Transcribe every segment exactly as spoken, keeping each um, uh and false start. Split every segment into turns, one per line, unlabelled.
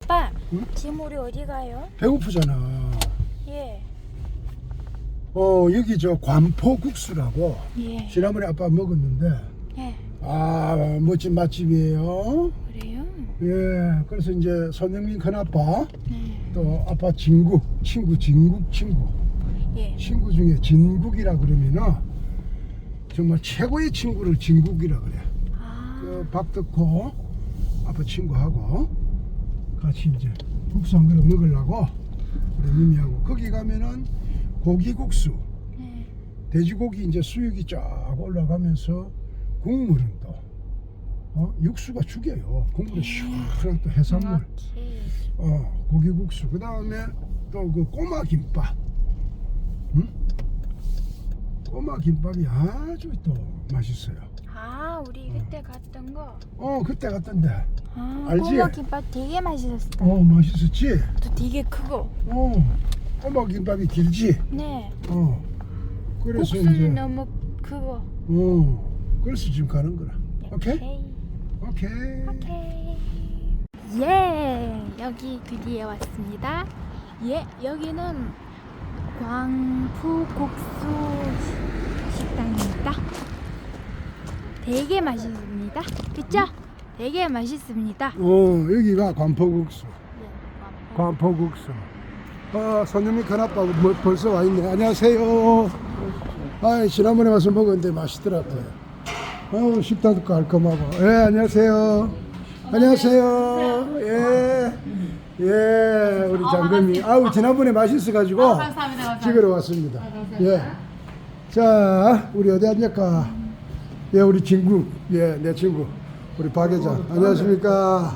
아빠,
응?
지금 우리 어디 가요?
배고프잖아.
예.
어 여기 저 관포국수라고
예.
지난번에 아빠 먹었는데
예.
아 멋진 맛집이에요.
그래요?
예, 그래서 이제 손흥민 큰아빠
네.
또 아빠 진국 친구 진국 친구
예.
친구 중에 진국이라 그러면은 정말 최고의 친구를 진국이라 그래.
아.
그 박덕호 아빠 친구하고 같이 이제 국수 한 그릇 먹으려고 우리 미미하고 거기 가면은 고기국수
네.
돼지고기 이제 수육이 쫙 올라가면서 국물은 또 어? 육수가 죽여요. 국물이 시원한 또 해산물
정확히.
어 고기국수 그 다음에 또 그 꼬마 김밥 응? 꼬마 김밥이 아주 또 맛있어요.
아, 우리 그때 갔던 거.
어 그때 갔던데
아,
알지?
꼬마 김밥 되게 맛있었어.
어 맛있었지?
또 되게 크고.
어 꼬마 김밥이 길지?
네.
어 그래서
국수는
이제
너무 크고.
어 그래서 지금 가는 거라. 오케이?
오케이.
오케이.
오케이. 예, 여기 드디어 왔습니다. 예, 여기는 광푸국수 식당입니다. 되게 맛있습니다. 그쵸? 되게 맛있습니다.
어 여기가 관포국수.
네,
관포국수. 아 손님이 큰아빠 뭐 벌써 와 있네. 안녕하세요. 아 지난번에 와서 먹었는데 맛있더라고요. 어 식당도 깔끔하고. 예 안녕하세요. 안녕하세요. 예. 예 우리 장금이. 아우 지난번에 맛있어가지고
아, 감사합니다, 감사합니다.
찍으러 왔습니다. 예. 자 우리 어디 앉을까? 예 우리 친구. 예 내 친구. 우리 박 회장. 안녕하십니까?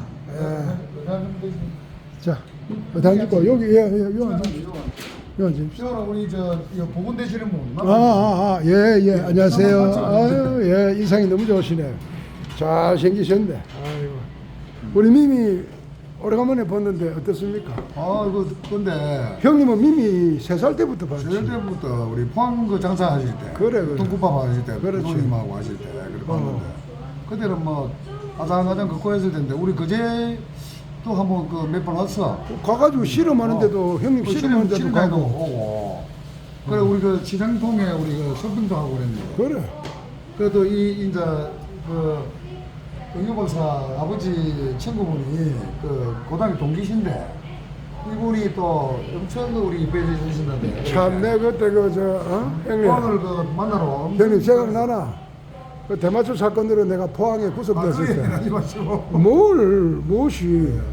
예. 자, 어디 앉을까? 여기, 예, 예, 여기 앉으십시오. 여기 앉으십시오.
저는 우리 저 이거 보건 되시는 분.
아, 아, 아, 예, 예, 안녕하세요. 아유, 예, 인상이 너무 좋으시네. 잘 생기셨네. 아이고. 우리 미미 오래간만에 봤는데 어떻습니까?
아 이거 근데
형님은 미미 세 살 때부터 봤지.
저녁 때부터 우리 포항 그 장사 하실 때,
그래, 그래.
통국밥 하실 때,
그렇지.
부모님하고 하실 때 그렇게
어.
봤는데 그때는 뭐 아장아장 걷고 했을 텐데 우리 그제 또 한번 그 몇 번 왔어.
가가지고 씨름하는데도 형님
그
씨름하는데도
씨름에도
가고.
오고. 그래 우리 그 시장통에 우리 그 쇼핑도 하고 그랬는데.
그래.
그래도 이 이제 그 응유박사 아버지 친구분이 그 고등학교 동기신데 이분이 또 엄청 우리 배려해 주신다는데
참, 내 그때 그, 저, 어? 형님.
포항을 그 만나러 엄청
형님 생각나나? 그 대마초 사건으로 내가 포항에
아,
구속됐을
그래,
때.
하지 마시고.
뭘, 무엇이.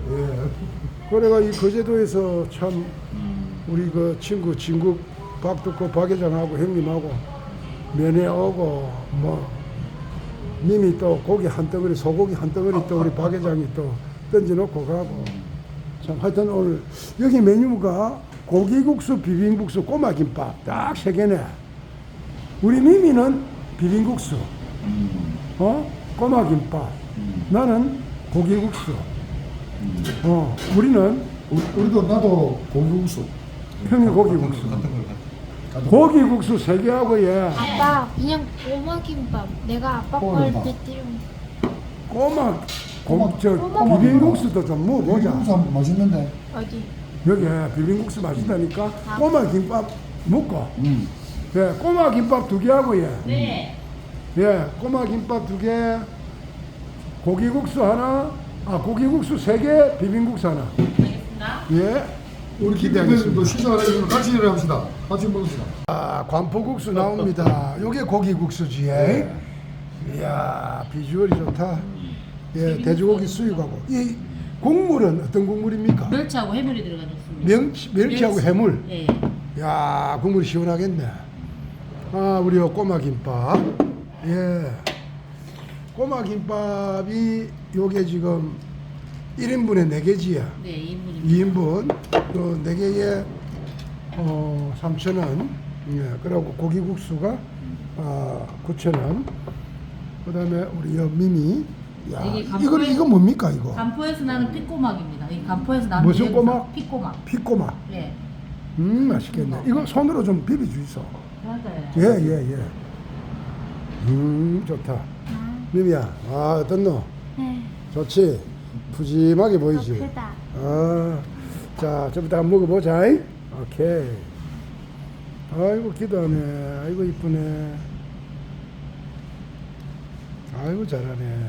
예.
그래가 이 거제도에서 참 우리 그 친구 진국 박두코 박 회장하고 형님하고 면회 오고 뭐 님이 또 고기 한 덩어리 소고기 한 덩어리 또 우리 박 회장이 또 던져놓고 가고 참 하여튼 오늘 여기 메뉴가 고기국수 비빔국수 꼬마김밥 딱 세 개네. 우리 미미는 비빔국수 어 꼬마김밥 나는 고기국수 어 우리는
우리- 우리도 나도 고기국수.
형이 고기국수 고기국수 세 개하고 예
아빠, 그냥 꼬마 김밥. 내가 아빠 걸
꼬마김밥.
뱉으려.
꼬마 고, 저
꼬마
비빔국수도 좀 먹어보자.
고기국수 맛있는데.
어디?
여기 비빔국수 맛있다니까 꼬마 김밥 먹고
음.
예 꼬마 김밥 두 개하고 예
네.
예 꼬마 김밥 두 개 고기국수 하나 아 고기국수 세 개 비빔국수 하나
알겠습니다.
예
우리
기대하겠습니다.
김대표님도 시작을 해주면 같이 일합시다. 같이 먹읍시다.
아, 관포국수 나옵니다. 요게 고기국수지. 예. 이야, 비주얼이 좋다. 예, 돼지고기 수육하고. 이 국물은 어떤 국물입니까?
멸치하고 해물이 들어가졌습니다.
멸치, 멸치하고
멸치.
해물.
예.
야, 국물이 시원하겠네. 아, 우리 요 꼬마 김밥. 예. 꼬마 김밥이 요게 지금 일 인분에 네 개지야.
네, 이 인분입니다.
이 인분 그 네 개에 어, 삼천 원. 예, 그리고 고기국수가 아, 구천 원. 그다음에 우리 여 미미. 야,
이게
이거
간포에-
이거 뭡니까 이거?
간포에서 나는 피꼬막입니다. 이 간포에서 나는
무슨
내용사,
꼬막?
피꼬막.
피꼬마.
예.
음, 맛있겠네. 이거 손으로 좀 비벼 주이소.
맞아요.
예, 예, 예. 음, 좋다. 미미야, 아, 어떻노?
네.
좋지? 푸짐하게
더
보이지?
크다.
아, 자, 좀이따 한번 먹어보자. 이? 오케이. 아이고, 기도하네. 아이고, 이쁘네. 아이고, 잘하네.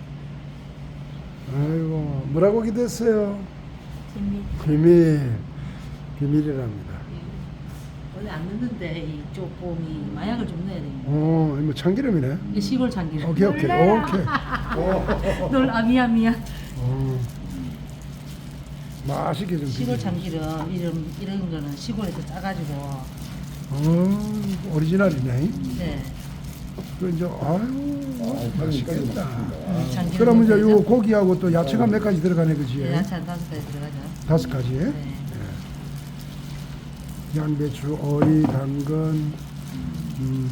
아이고, 뭐라고 기도했어요?
비밀.
비밀. 비밀이랍니다.
원래 안 넣는데 이 조금이 마약을 좀 넣어야 됩니다.
어, 뭐 참기름이네.
이게 시골 참기름.
오케이, 오케이, 오케이.
널 아 미안 미안.
어. 맛있게 좀.
시골
비벼.
참기름 이런 이런 거는 시골에서 짜가지고.
어, 오리지널이네.
네.
그 이제 아유, 맛있겠다.
음, 참기름
그러면 이제
넣어야죠.
요 고기하고 또 야채가 몇 가지 들어가네, 그지?
네, 야채 한 다섯 가지 들어가죠.
다섯 가지.
네.
양배추, 오이, 당근. 음.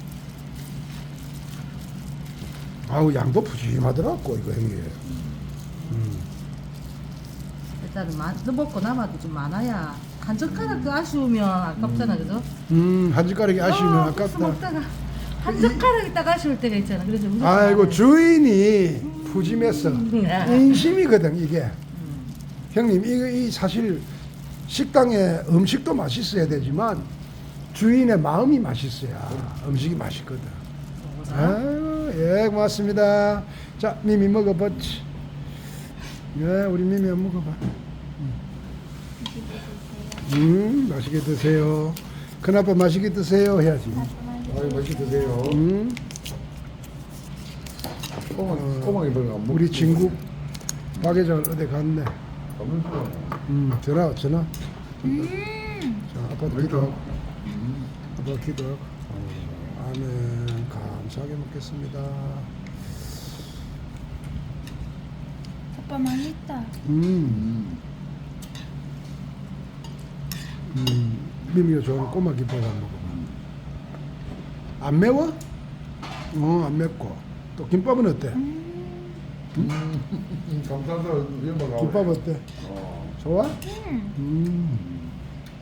아우, 양도 푸짐하더라고 이거 형님. 음.
일단은 마, 먹고 남아도 좀 많아야 한 젓가락 그 아쉬우면 아깝잖아, 그죠?
음, 한 젓가락이 아쉬우면
어, 국수
아깝다.
먹다가 한 젓가락이 딱 아쉬울 때가 있잖아. 그래서 무조건
아이고,
많아요.
주인이 푸짐했어.
네.
인심이거든 이게.
음.
형님, 이거 이 사실 식당에 음식도 맛있어야 되지만 주인의 마음이 맛있어야 음식이 맛있거든. 아유, 예, 고맙습니다. 자, 미미 먹어봤지. 예, 우리 미미 한번 먹어봐. 음, 맛있게 드세요. 큰아빠 맛있게 드세요 해야지.
아유 맛있게 드세요.
음,
꼬막 꼬막이 별로 안 먹.
우리 친구 박 회장 어디 갔네.
없는 거.
음, 전화, 전화.
음.
자, 아빠도 기도하고. 아빠 기도하고. 아멘. 감사하게 먹겠습니다.
오빠 맛있다.
음. 음, 미미가 좋아하는 꼬마 김밥 한번 먹어봐. 안 매워? 어, 안 맵고. 또 김밥은 어때?
음, 감사합니다. 이런 거 나오네.
김밥 어때?
어.
좋아?
음.
음.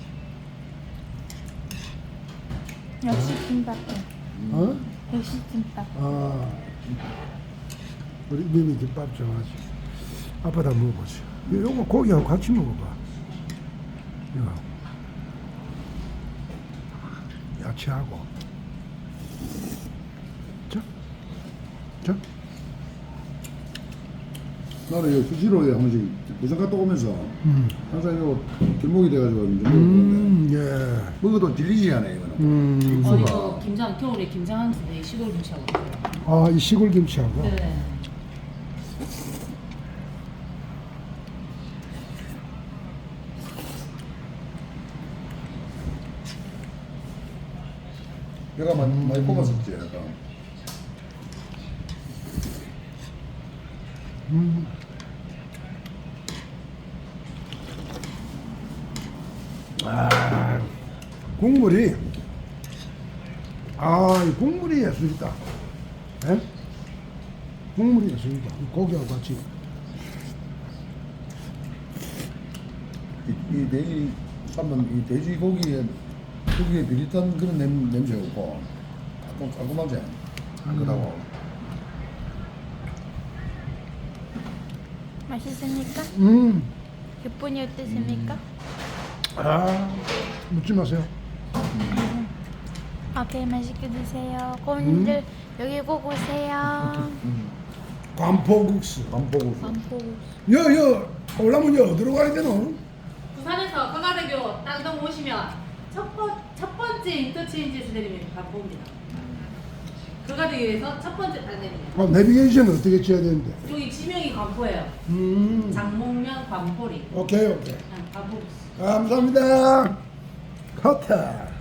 역시 김밥.
어?
역시 김밥.
아. 우리 미미 김밥 좋아하지. 아빠도 한번 먹어보세요. 요거 고기하고 같이 먹어봐. 이거. 야채하고. 자. 자.
나는 이거 수시로 한 번씩 부산 갔다 오면서
음.
항상 이거 길목이 돼가지고 이제 먹었는데
음, 예.
먹어도 질리지 않아요 이거는.
음.
어, 이거 김장 겨울에 김장하는 데 시골 김치하고 있어요.
아, 이 시골 김치하고.
네.
내가 많이, 많이 뽑았었지 약간.
음. 아, 국물이, 아, 이 국물이 예술이다. 예? 국물이 예술이다. 이 고기하고 같이.
이, 이 돼지 삶은 이 돼지고기에 고기에 비릿한 그런 냄, 냄새가 없고 깔끔, 깔끔하지 안 그러고
맛있습니까?
음,
기분이 어떠십니까?
아, 묻지 마세요.
오케이, 맛있게 드세요. 꼬님들 여기 꼭 오세요.
관포국수.
간보고
안보고.
여, 여, 올라면 여, 어디로 가야 되노?
부산에서 강화대교 땅동 오시면 첫, 번, 첫 번째 인터체인지에서 내리면 반포입니다. 강화대교에서 첫 번째 딱 내리면.
아, 내비게이션은 어떻게 쳐야 되는데?
여기 지명이 반포예요.
음,
장목면 반포리.
오케이, 오케이.
반포.
감사합니다. 커터.